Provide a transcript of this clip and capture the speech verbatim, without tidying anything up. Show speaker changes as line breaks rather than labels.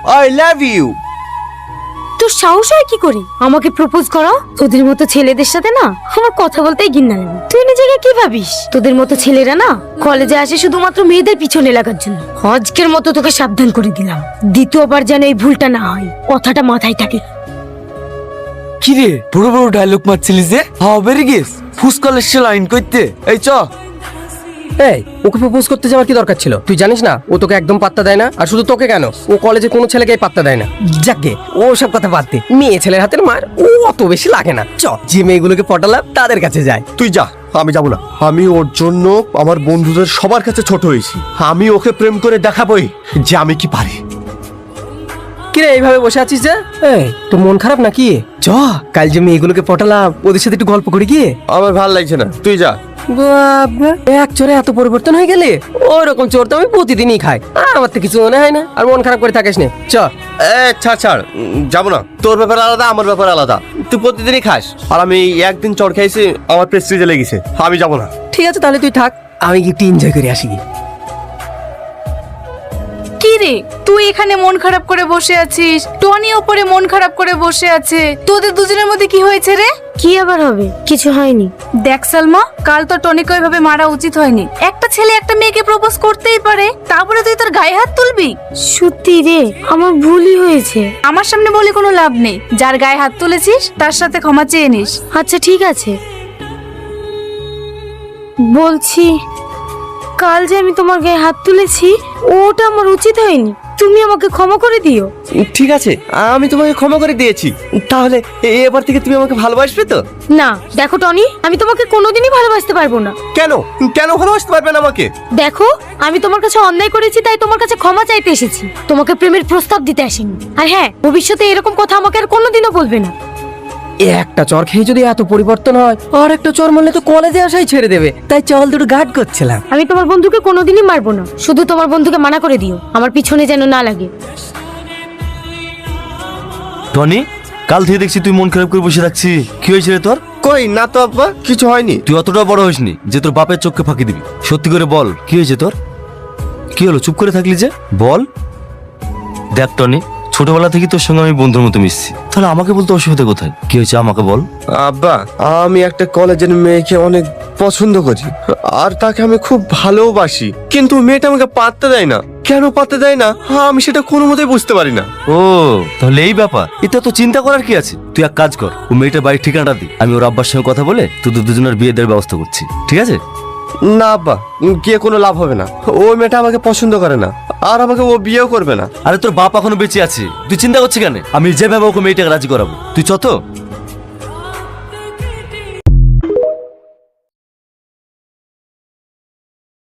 I love you.
তোর সাহস হয় কি করে আমাকে প্রপোজ করা? তোদের মতো ছেলেদের সাথে না আমার কথা বলতেই ঘৃণা লাগে। তুই নিজেকে কি ভাবিস? তোদের মতো ছেলেরা না কলেজে আসে শুধুমাত্র মেয়েদের পিছনে লাগার জন্য। আজকের মতো তোকে সাবধান করে দিলাম, দ্বিতীয়বার যেন এই ভুলটা না হয়, কথাটা মাথায় থাকে।
কি রে বড় বড় ডায়লগ মারছিলি যে? হবে গেস ফুসকলের সে লাইন করতে। এই চ।
এই ওকে প্রপোজ করতে যাওয়ার কি দরকার ছিল? তুই জানিস না ও তোকে একদম পাত্তা দেয় না। আর শুধু তোকে কেন, ও কলেজে কোনো ছেলেকে পাত্তা দেয় না। যাকে ও সব কথা বাদ দে, মেয়ে ছেলের হাতের মার ও অত বেশি লাগে না। চ, যে মেয়েগুলোকে পটালাম তাদের কাছে যায়।
তুই যা, আমি যাবো না। আমি ওর জন্য আমার বন্ধুদের সবার কাছে ছোট হয়েছি। আমি ওকে প্রেম করে দেখাবোই যে আমি কি পারি।
কিরে এইভাবে বসে আছিস যে? এই তোর মন খারাপ নাকি? চ, কাল যে মেয়েগুলোকে পটালাম ওদের সাথে একটু গল্প করি গিয়ে।
আমার ভালো লাগছে না, তুই যা।
বাবা, এক চোরে এত পরিবর্তন হয়ে গেলে? ওরকম চোর তো আমি প্রতিদিনই খাই, আমার তো কিছু মনে হয় না। আর মন খারাপ করে থাকিস না, চ।
এ ছাড় ছাড়, উম, যাবো না। তোর ব্যাপার আলাদা, আমার ব্যাপার আলাদা। তুই প্রতিদিনই খাস আর আমি একদিন চড় খাইছি, আমার প্রেস্টিজে লেগেছে। আমি যাবো না।
ঠিক আছে তাহলে তুই থাক, আমি একটু এনজয় করে আসি।
কি রে তুই এখানে মন খারাপ করে বসে আছিস, টনি ওপরে মন খারাপ করে বসে আছে। তোদের দুজনের মধ্যে কি হয়েছে রে?
কি আবার হবে? কিছু হয়নি।
দেখ সালমা, কাল তো টনিকে ওইভাবে মারা উচিত হয়নি। একটা ছেলে একটা মেয়েকে প্রপোজ করতেই পারে, তারপরে তুই তোর গায়ে হাত তুলবি?
সত্যি রে, আমার ভুলই হয়েছে।
আমার সামনে বলে কোনো লাভ নেই। যার গায়ে হাত তুলেছিস তার সাথে ক্ষমা চেয়ে নিস।
আচ্ছা ঠিক আছে, বলছি কাল যে আমি তোমার গায়ে হাত তুলেছি ওটা আমার উচিত হয়নি, তুমি আমাকে ক্ষমা করে দিও।
ঠিক আছে, আমি তোমাকে ক্ষমা করে দিয়েছি। তাহলে এ- এবার থেকে তুমি আমাকে ভালোবাসবে তো?
না দেখো টনি, আমি তোমাকে কোনোদিনই ভালোবাসতে পারবো না।
কেন কেন ভালোবাসতে পারবে না আমাকে?
দেখো আমি তোমার কাছে অন্যায় করেছি, তাই তোমার কাছে ক্ষমা চাইতে এসেছি, তোমাকে প্রেমের প্রস্তাব দিতে আসিনি। আর হ্যাঁ, ভবিষ্যতে এরকম কথা আমাকে আর কোনোদিনও বলবে না।
একটা চর খেয়ে যদি এত পরিবর্তন হয়, আর একটা চর মারলে তো কলেজে আসাই ছেড়ে দেবে। তাই চল দুটো গার্ড করছিলাম।
আমি তোমার বন্ধুকে কোনোদিনই মারবো না, শুধু তোমার বন্ধুকে মানা করে দিও আমার পিছনে যেন না লাগে।
টনি, কাল থেকে দেখছি তুই মন খারাপ করে বসে রাখছি। কি হয়েছে রে তোর?
কই না তো আব্বা, কিছু হয়নি।
তুই অতটা বড় হইসনি যে তোর বাপের চোখকে ফাঁকি দিবি। সত্যি করে বল, কি হয়েছে তোর? কি হলো চুপ করে থাকলি যে? বল। দেখ টনি, ছোটবেলা থেকে তোর সঙ্গে আমি বন্ধুর মতো মিশছি, তাহলে আমাকে বলতে অসুবিধা কোথায়? কি হয়েছে আমাকে বল।
আব্বা, আমি একটা কলেজের মেয়েকে অনেক পছন্দ করি আর তাকে আমি খুব ভালোবাসি, কিন্তু মেয়েটা আমাকে পাত্তা দেয় না। কেন পাত্তা দেয় না আমি সেটা কোনো মতেই বুঝতে পারি না।
ও তাহলে এই ব্যাপার, এটা তো চিন্তা করার কি আছে? তুই এক কাজ কর, ও মেয়েটার বাড়ির ঠিকানাটা দি, আমি ওর আব্বার সঙ্গে কথা বলে তোদের দুজনের বিয়ে দেওয়ার ব্যবস্থা করছি, ঠিক আছে?
না আব্বা, গিয়ে কোনো লাভ হবে না। ওই মেয়েটা আমাকে পছন্দ করে না আর আমাকে ও বিয়েও করবে না।
আরে তোর বাপ এখনো বেঁচে আছে, তুই চিন্তা করছিস কেন? আমি যেভাবে ওকে মেয়েটাকে রাজি করাবো, তুই চ তো।